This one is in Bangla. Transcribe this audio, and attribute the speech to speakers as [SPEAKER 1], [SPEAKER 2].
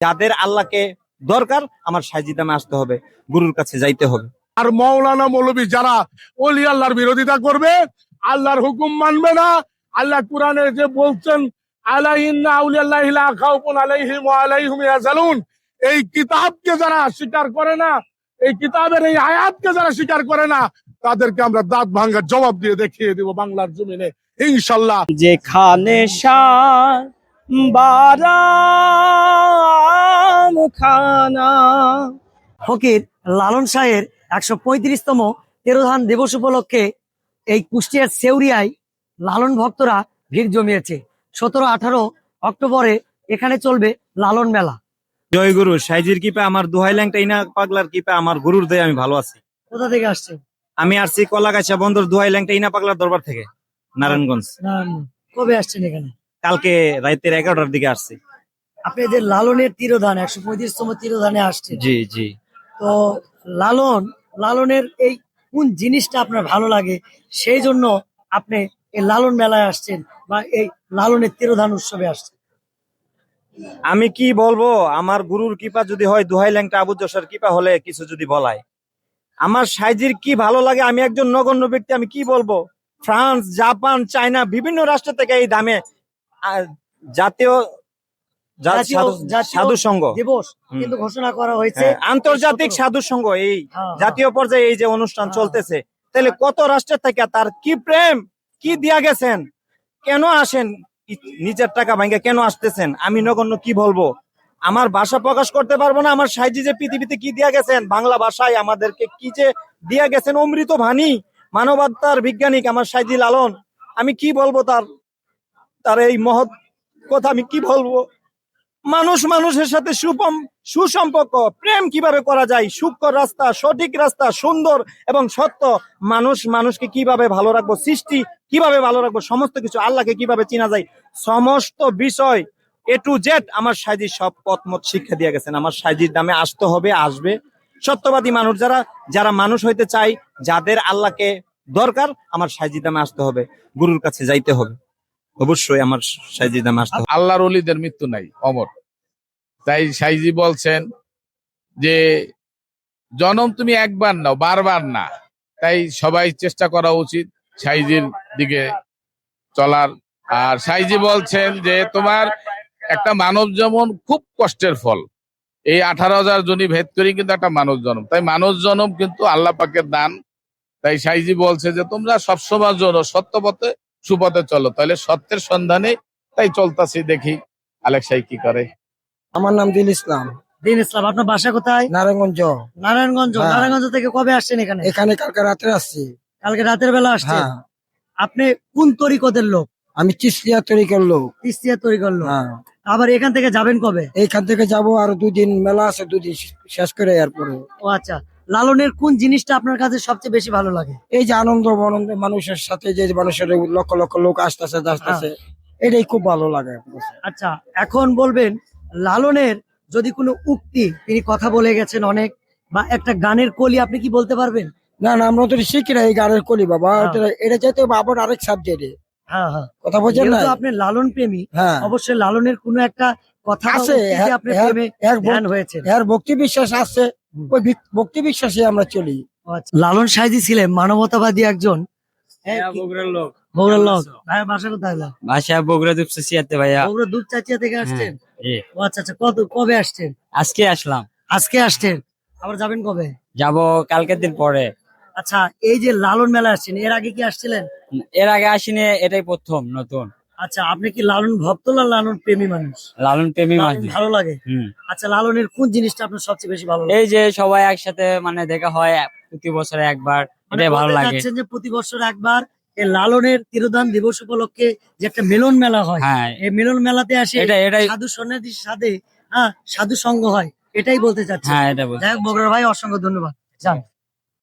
[SPEAKER 1] যাদের আল্লাহকে দরকার আমার সাইজিদামে আসতে হবে, গুরুর কাছে যাইতে হবে।
[SPEAKER 2] আর মৌলানা মৌলবী যারা ওলি আল্লাহর বিরোধিতা করবে, আল্লাহর হুকুম মানবে না, আল্লাহ কোরআনে যে বলছেন আলাইহিন্না আউলিয়াল্লাহি লা খাউফুন আলাইহিম ওয়া আলাইহিম ইয়াহজানুন, এই কিতাবকে যারা স্বীকার করে না, এই কিতাবের এই আয়াতকে যারা স্বীকার করে না, তাদেরকে আমরা দাঁত ভাঙার জবাব দিয়ে দেখিয়ে দিব বাংলার জমিনে ইনশাআল্লাহ।
[SPEAKER 3] যেখানে বারাম খানা।
[SPEAKER 4] ফকির লালন শাহের ১৩৫তম তিরোধান দিবস উপলক্ষে এই কুষ্টিয়ার সেউরিয়ায় লালন ভক্তরা ভিড় জমিয়েছে। ১৭-১৮ অক্টোবরে এখানে চলবে লালন মেলা।
[SPEAKER 1] জয় গুরু, সাইজির কৃপা, আমার দোহাই ল্যাংটা ইনা পাগলার কৃপা, আমার গুরুর দয়ে আমি ভালো আছি।
[SPEAKER 4] কোথা থেকে আসছে?
[SPEAKER 1] আমি আসছি কলাগাছা বন্দর দোহাই ল্যাংটা ইনা পাগলার দরবার থেকে, নারায়ণগঞ্জ।
[SPEAKER 4] কবে আসছেন এখানে?
[SPEAKER 1] কালকে রাতের ১১টার দিকে আসছি।
[SPEAKER 4] আপনি যে লালনের তিরোধান ১৩৫তম তিরোধানে আসছে,
[SPEAKER 1] জি জি।
[SPEAKER 4] তো লালনের এই কোন জিনিসটা আপনার ভালো লাগে, সেই জন্য আপনি এই লালন মেলায় আসছেন বা এই লালনের তিরোধান উৎসবে আসছেন?
[SPEAKER 1] আমি কি বলবো, আমার গুরুর কৃপা যদি হয়, দোহাই ল্যাংটা আবু যশোর কৃপা হলে কিছু যদি বলায়, আমার সাইজির কি ভালো লাগে, আমি একজন নগণ্য ব্যক্তি, আমি কি বলবো। ফ্রান্স, জাপান, চায়না বিভিন্ন রাষ্ট্র থেকে এই দামে জাতীয় সাধু সংঘ
[SPEAKER 4] দিবস কিন্তু ঘোষণা করা হয়েছে,
[SPEAKER 1] আন্তর্জাতিক সাধু সংঘ এই জাতীয় পর্যায়ে এই যে অনুষ্ঠান চলতেছে, তাহলে কত রাষ্ট্রের থেকে তার কি প্রেম, কি দিয়া গেছেন, কেন আসেন, নিজের টাকা ভাঙ্গে কেন আসতেছেন, আমি নগণ্য কি বলবো, আমার ভাষা প্রকাশ করতে পারবো না। আমার সাইজি যে পৃথিবীতে কি দিয়া গেছেন, বাংলা ভাষায় আমাদেরকে কি যে দিয়া গেছেন, অমৃত বাণী, মানবতার বিজ্ঞানিক আমার সাইজি লালন, আমি কি বলবো তার এই মহৎ কথা, আমি কি বলবো। মানুষ মানুষের সাথে সুসম্পর্ক, প্রেম কিভাবে করা যায়, সূক্ষ্ম রাস্তা, সঠিক রাস্তা, সুন্দর এবং সত্য, মানুষ মানুষকে কিভাবে ভালো রাখবো, সৃষ্টি কিভাবে ভালো রাখবো, সমস্ত কিছু আল্লাহকে কিভাবে চেনা যায়, সমস্ত বিষয় A to Z আমার সাইজি সব পথমত শিক্ষা দিয়ে গেছেন। আমার সাইজির দামে আসতে হবে, আসবে। সত্যবাদী মানুষ যারা মানুষ হইতে চাই, যাদের আল্লাহকে দরকার, আমার সাইজির দামে আসতে হবে, গুরুর কাছে যাইতে হবে, অবশ্যই আমার সাইজির দামে আসতে হবে।
[SPEAKER 2] আল্লাহর ওলিদের মৃত্যু নাই, অমর। তাই সাইজি বলছেন যে জনম তুমি একবার নাও, বারবার না। তাই সবাই চেষ্টা করা উচিত সাইজির দিকে চলার। আর সাইজি বলছেন যে তোমার একটা মানব জন্ম খুব কষ্টের ফল, এই 18,000 জনি ভেদ করি কিন্তু একটা মানুষ জন্ম, তাই মানুষ জন্ম কিন্তু আল্লাহ পাকের দান। তাই সাইজি বলছে যে তোমরা সবসময় জন্য সত্য পথে সুপথে চলো, তাহলে সত্যের সন্ধানে তাই চলতেছি, দেখি আলেক সাই কি করে।
[SPEAKER 5] আমার নাম দিল ইসলাম।
[SPEAKER 4] দিন ইসলাম, আপনার বাসা কোথায়?
[SPEAKER 5] নারায়ণগঞ্জ।
[SPEAKER 4] নারায়ণগঞ্জ। নারায়ণগঞ্জ থেকে কবে আসছেন এখানে?
[SPEAKER 5] এখানে কালকে রাতে আসছি।
[SPEAKER 4] কালকে রাতের বেলা আসছেন? আপনি কোন তরিকতের লোক?
[SPEAKER 5] আমি চিশতিয়া তরিকার লোক।
[SPEAKER 4] চিশতিয়া তরিকার লোক। আবার এখান থেকে যাবেন কবে?
[SPEAKER 5] এইখান থেকে যাব আর 2 দিন মেলা আছে, 2 দিন শেষ করে এরপরে।
[SPEAKER 4] ও আচ্ছা, লালনের কোন জিনিসটা আপনার কাছে সবচেয়ে বেশি ভালো লাগে?
[SPEAKER 5] এই যে আনন্দ মানুষের সাথে, যে মানুষের লক্ষ লক্ষ লোক আসতেছে যাচ্ছে, এটাই খুব ভালো লাগে।
[SPEAKER 4] আচ্ছা, এখন বলবেন লালনের যদি কোনো উক্তি, তিনি কথা বলে গেছেন অনেক, বা একটা গানের কলি আপনি কি বলতে পারবেন?
[SPEAKER 5] না না, আমরা তো শিখি না এই গানের কলি বাবা, এটা যেতে আবার আরেক সাবজেক্টে। কথা বলছেন না,
[SPEAKER 4] আপনি লালন প্রেমী, অবশ্যই লালনের কোনো একটা কথা
[SPEAKER 5] আছে,
[SPEAKER 4] আপনার প্রেমে ধ্যান হয়েছে,
[SPEAKER 5] এর ভক্তি বিশ্বাস আছে, ওই ভক্তি বিশ্বাসে আমরা চলি।
[SPEAKER 4] লালন সাইজি ছিলেন মানবতাবাদী একজন
[SPEAKER 3] বগুড়ার লোক।
[SPEAKER 4] বগুড়ার লোক। ভাইয়া বাসা কোথায়?
[SPEAKER 3] বাসা বগুড়া দুপচাচিয়াতে ভাইয়া।
[SPEAKER 4] বগুড়া দুপচাচিয়া থেকে আসছেন? ও আচ্ছা আচ্ছা, কবে আসছেন?
[SPEAKER 3] আজকে আসলাম।
[SPEAKER 4] আজকে আসছেন, আবার যাবেন কবে?
[SPEAKER 3] যাব কালকের দিন পরে।
[SPEAKER 4] আচ্ছা, এই যে লালন মেলা আসছেন, এর আগে কি আসছিলেন?
[SPEAKER 3] এর আগে আসিনি, এটাই প্রথম নতুন।
[SPEAKER 4] আচ্ছা, আপনি কি লালন ভক্ত না লালন প্রেমী মানুষ?
[SPEAKER 3] লালন প্রেমী মানুষ,
[SPEAKER 4] ভালো লাগে। আচ্ছা, লালনের কোন জিনিসটা আপনার সবচেয়ে বেশি ভালো লাগে?
[SPEAKER 3] এই যে সবাই একসাথে মানে দেখা হয় প্রতি বছরে একবার, এটাই ভালো লাগে।
[SPEAKER 4] যে প্রতি বছর একবার এই লালনের তিরোধান দিবস উপলক্ষে যে একটা মিলন মেলা হয়, এই মিলন মেলাতে আসে সাধু সন্ন্যাসীর সাথে সাধু সঙ্গ হয়, এটাই বলতে চাচ্ছি।
[SPEAKER 3] হ্যাঁ, এটা বলতে।
[SPEAKER 4] যাই হোক, বগুড়ার ভাই অসংখ্য ধন্যবাদ। যান।